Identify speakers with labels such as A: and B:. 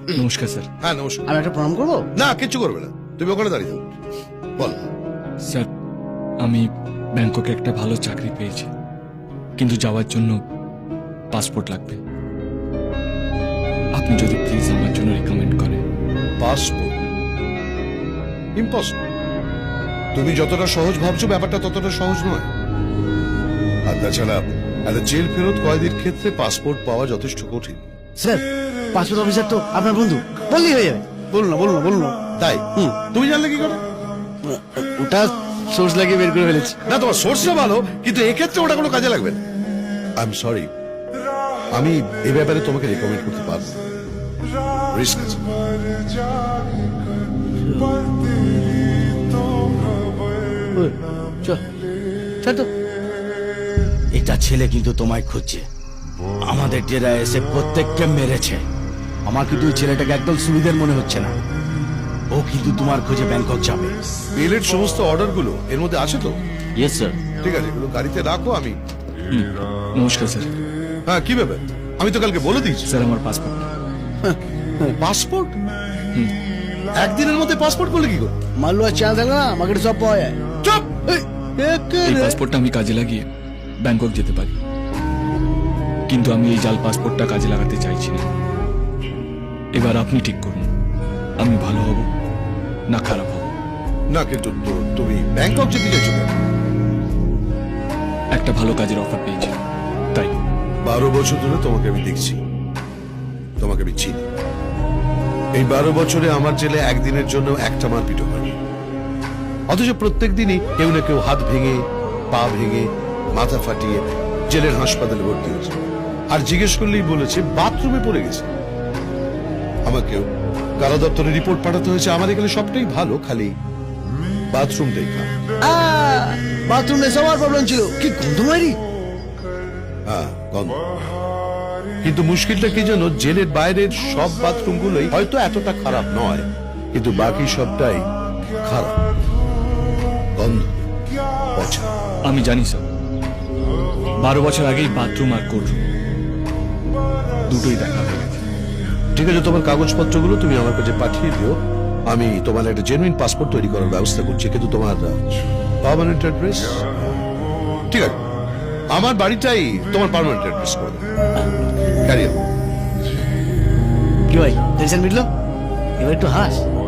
A: নমস্কার স্যার।
B: হ্যাঁ নমস্কার।
C: আমি একটা প্রণাম করবো?
B: না কিচ্ছু করবে না, তুমি ওখানে দাঁড়িয়ে থাকো। বল।
A: স্যার আমি ব্যাংককে একটা ভালো চাকরি পেয়েছি, কিন্তু যাওয়ার জন্য পাসপোর্ট লাগবে। আপনি যদি প্লিজ আমার জন্য রেকমেন্ড করেন।
B: Passport impossible. তুমি যতটা সহজ ভাবছো ব্যাপারটা ততটা সহজ নয়। আর তাছাড়া একটা জেল ফেরত কয়েদির ক্ষেত্রে পাসপোর্ট পাওয়া যথেষ্ট কঠিন।
C: স্যার পাসপোর্ট অফিসার তো আপনার বন্ধু, বললেই হয়ে যাবে। বলুন না বলুন না বলুন না।
B: তাই তুমি জানলে কি করে?
C: ওটা সোর্স লাগিয়ে বের করে ফেলেছি।
B: না তোমার সোর্সটা ভালো, কিন্তু এক্ষেত্রে ওটা কোনো কাজে লাগবে না। আই এম সরি, আমি এ ব্যাপারে তোমাকে রেকমেন্ড করতে পারবো না। রিস্ক আছে।
C: চল চল তো।
D: এটা ছেলে কিন্তু তোমায় খুঁজছে, আমাদের ডেরায় এসে প্রত্যেককে মেরেছে। আমার কিন্তু ওই ছেলেটাকে একদম সুবিধার মনে হচ্ছে না। ও কিন্তু তোমার খোঁজে ব্যাংকক যাবে।
B: বিলের সমস্ত অর্ডার গুলো এর মধ্যে আছে তো?
D: Yes sir.
B: ঠিক আছে, এগুলো গাড়িতে রাখো। আমি
A: নমস্কার স্যার।
B: হ্যাঁ কি ব্যাপার? আমি তো কালকে বলে দিয়েছি।
A: স্যার আমার পাসপোর্ট।
B: পাসপোর্ট? একদিনের মধ্যে পাসপোর্ট করলে কি করে?
C: মাল্লুয়া চ্যানেল থাকে না, আমাকে সব পাওয়া যায়।
B: চুপ!
A: এই পাসপোর্টটা আমি কাজে লাগিয়ে ব্যাংকক যেতে পারি, কিন্তু আমি এই জাল পাসপোর্টটা কাজে লাগাতে চাইছি না। এবার আপনি ঠিক করুন, আমি ভালো হব না খারাপ হব।
B: না কিন্তু তুমি ব্যাংকক যেতে চাইছো কেন?
A: একটা ভালো কাজের অফার পেয়েছি তাই।
B: 12 বছর ধরে তোমাকে আমি দেখছি, তোমাকে আমি চিনি। এই 12 বছরে আমার জেলে একদিনের জন্য একটা মারপিটও হয়নি। অথচ প্রত্যেক দিনই কেউ না কেউ হাত ভেঙে, পা ভেঙে, মাথা ফাটিয়ে জেলের হাসপাতালে ভর্তি হয়েছে। আর জিজ্ঞেস করলেই বলেছে বাথরুমে পড়ে গেছে। আমাকেও কারা দপ্তরে রিপোর্ট পাঠাতে হয়েছে আমার এখানে সবটাই ভালো, খালি বাথরুমটাই খারাপ।
C: বাথরুমে সবার প্রবলেম ছিল, কি গন্ধ মারি।
B: হ্যাঁ গন্ধ। কিন্তু মুশকিলটা কি জানো, জেলের বাইরের সব বাথরুম গুলোই হয়তো এতটা খারাপ নয়, কিন্তু বাকি সবটাই খারাপ, গন্ধ, পচা।
A: আমি জানি স্যার, 12 বছর আগেই বাথরুম আর কোর্টরুম দুটোই দেখা হয়ে গেছে।
B: ঠিক আছে, তোমার কাগজপত্রগুলো তুমি আমার কাছে পাঠিয়ে দিও। আমি তোমার একটা জেনুইন পাসপোর্ট তৈরি করার ব্যবস্থা করছি, কিন্তু তোমার পার্মানেন্ট অ্যাড্রেস? ঠিক আছে, আমার বাড়িটাই তোমার পার্মানেন্ট অ্যাড্রেস করে দেবো। ক্যারিয়ার।
C: কি ভাই, টেনশন মিটলো? এবার একটু হাস।